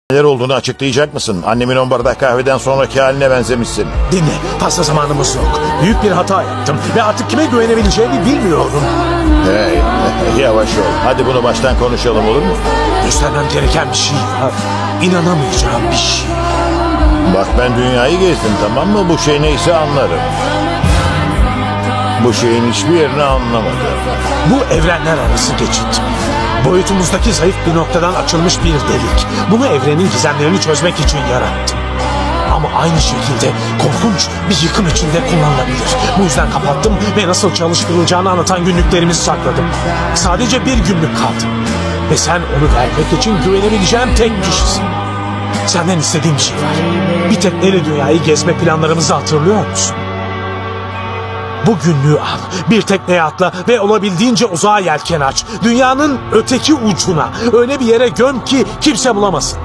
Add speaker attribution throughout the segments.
Speaker 1: Neler olduğunu açıklayacak mısın? Annemin 10 bardak kahveden sonraki haline benzemişsin.
Speaker 2: Dinle, fazla zamanımız yok. Büyük bir hata yaptım ve artık kime güvenebileceğimi bilmiyorum.
Speaker 1: Hey, yavaş ol. Hadi bunu baştan konuşalım, olur mu?
Speaker 2: Göstermem gereken bir şey var. İnanamayacağım bir şey.
Speaker 1: Bak, ben dünyayı gezdim, tamam mı? Bu şey neyse anlarım. Bu şeyin hiçbir yerini anlamadım.
Speaker 2: Bu evrenler arası geçit. Boyutumuzdaki zayıf bir noktadan açılmış bir delik. Bunu evrenin gizemlerini çözmek için yarattım. Ama aynı şekilde korkunç bir yıkım içinde kullanılabilir. Bu yüzden kapattım ve nasıl çalıştırılacağını anlatan günlüklerimizi sakladım. Sadece bir günlük kaldı. Ve sen onu vermek için güvenebileceğim tek kişisin. Senden istediğim bir şey var. Bir tekneyle dünyayı gezme planlarımızı hatırlıyor musun? Bu günlüğü al, bir tekneye atla ve olabildiğince uzağa yelken aç. Dünyanın öteki ucuna, öyle bir yere göm ki kimse bulamasın.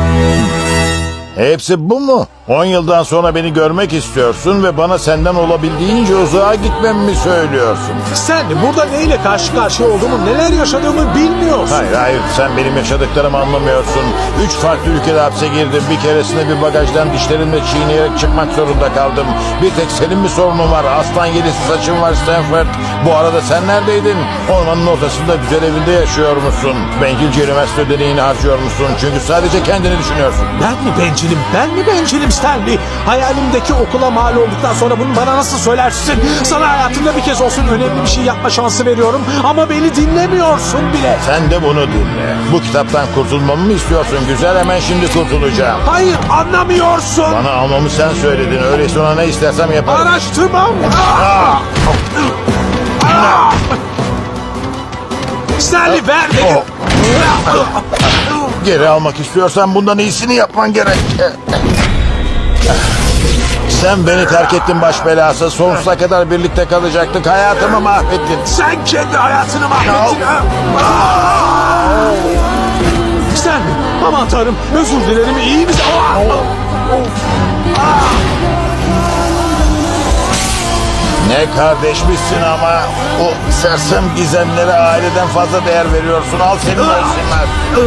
Speaker 1: Hepsi bu mu? 10 yıldan sonra beni görmek istiyorsun ve bana senden olabildiğince uzağa gitmemi mi söylüyorsun?
Speaker 2: Sen burada neyle karşı karşıya olduğumu, neler yaşadığımı bilmiyorsun.
Speaker 1: Hayır, sen benim yaşadıklarımı anlamıyorsun. 3 farklı ülkede hapse girdim. Bir keresinde bir bagajdan dişlerimle çiğneyerek çıkmak zorunda kaldım. Bir tek senin mi sorunun var? Aslan yelisi saçın var Stanford. Bu arada sen neredeydin? Ormanın ortasında güzel evinde yaşıyor musun? Bencilce üniversite ödeneğini harcıyor musun? Çünkü sadece kendini düşünüyorsun.
Speaker 2: Ben mi bencilim? Ben mi bencilim Stanley? Hayalimdeki okula mal olduktan sonra bunu bana nasıl söylersin? Sana hayatımda bir kez olsun önemli bir şey yapma şansı veriyorum ama beni dinlemiyorsun bile.
Speaker 1: Sen de bunu dinle. Bu kitaptan kurtulmamı mı istiyorsun güzel? Hemen şimdi kurtulacağım.
Speaker 2: Hayır, anlamıyorsun.
Speaker 1: Bana almamı sen söyledin. Öyleyse ona ne istersem yaparım.
Speaker 2: Araştırmam. Stanley ver dedim.
Speaker 1: Geri almak istiyorsan bundan iyisini yapman gerek. Sen beni terk ettin baş belası. Sonsuza kadar birlikte kalacaktık. Hayatımı mahvettin.
Speaker 2: Sen kendi hayatını mahvettin. Stanley, aman tanrım, özür dilerim, iyi misin?
Speaker 1: Ne kardeşmişsin ama. O sersem gizemlere aileden fazla değer veriyorsun. Al seni versinler.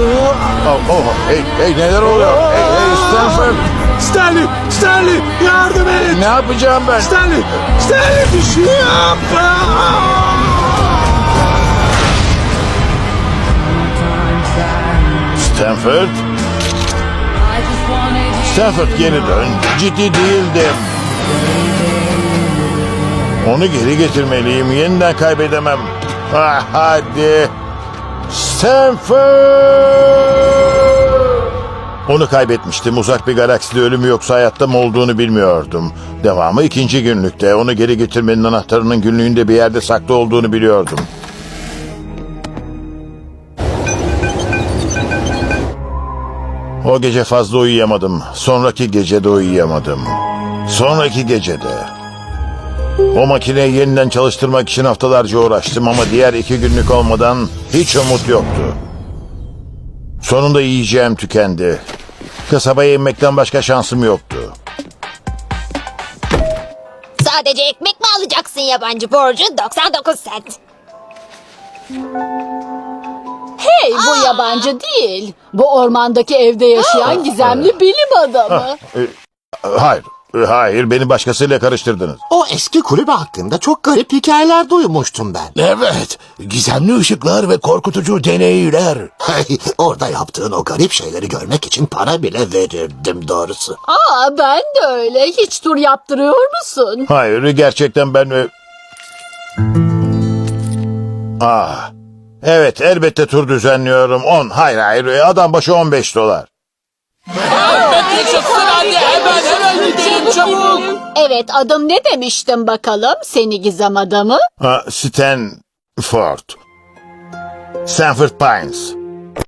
Speaker 1: Hey, neler oluyor? Hey, Stanford.
Speaker 2: Stanley, yardım et.
Speaker 1: Ne yapacağım ben?
Speaker 2: Stanley, bir şey yap.
Speaker 1: Stanford geri dön. Ciddi değildim. Onu geri getirmeliyim. Yeniden kaybedemem. Hadi. Stanford! Onu kaybetmiştim. Uzak bir galakside ölümü yoksa hayatta mı olduğunu bilmiyordum. Devamı 2. günlükte. Onu geri getirmenin anahtarının günlüğünde bir yerde saklı olduğunu biliyordum. O gece fazla uyuyamadım. Sonraki gece de uyuyamadım. Sonraki gecede. O makineyi yeniden çalıştırmak için haftalarca uğraştım ama diğer 2 günlük olmadan hiç umut yoktu. Sonunda yiyeceğim tükendi. Kasabaya inmekten başka şansım yoktu.
Speaker 3: Sadece ekmek mi alacaksın yabancı borcu? 99 sent.
Speaker 4: Hey, bu yabancı değil. Bu ormandaki evde yaşayan gizemli bilim adamı.
Speaker 1: Hayır, beni başkasıyla karıştırdınız.
Speaker 5: O eski kulübe hakkında çok garip hikayeler duymuştum ben.
Speaker 6: Evet, gizemli ışıklar ve korkutucu deneyler.
Speaker 5: Orada yaptığın o garip şeyleri görmek için para bile verirdim doğrusu.
Speaker 4: Aa, ben de öyle. Hiç tur yaptırıyor musun?
Speaker 1: Hayır, gerçekten ben... Evet, elbette tur düzenliyorum. 10, hayır, adam başı $15.
Speaker 4: Evet, adım ne demiştim bakalım seni gizem adamı?
Speaker 1: Stanford Pines.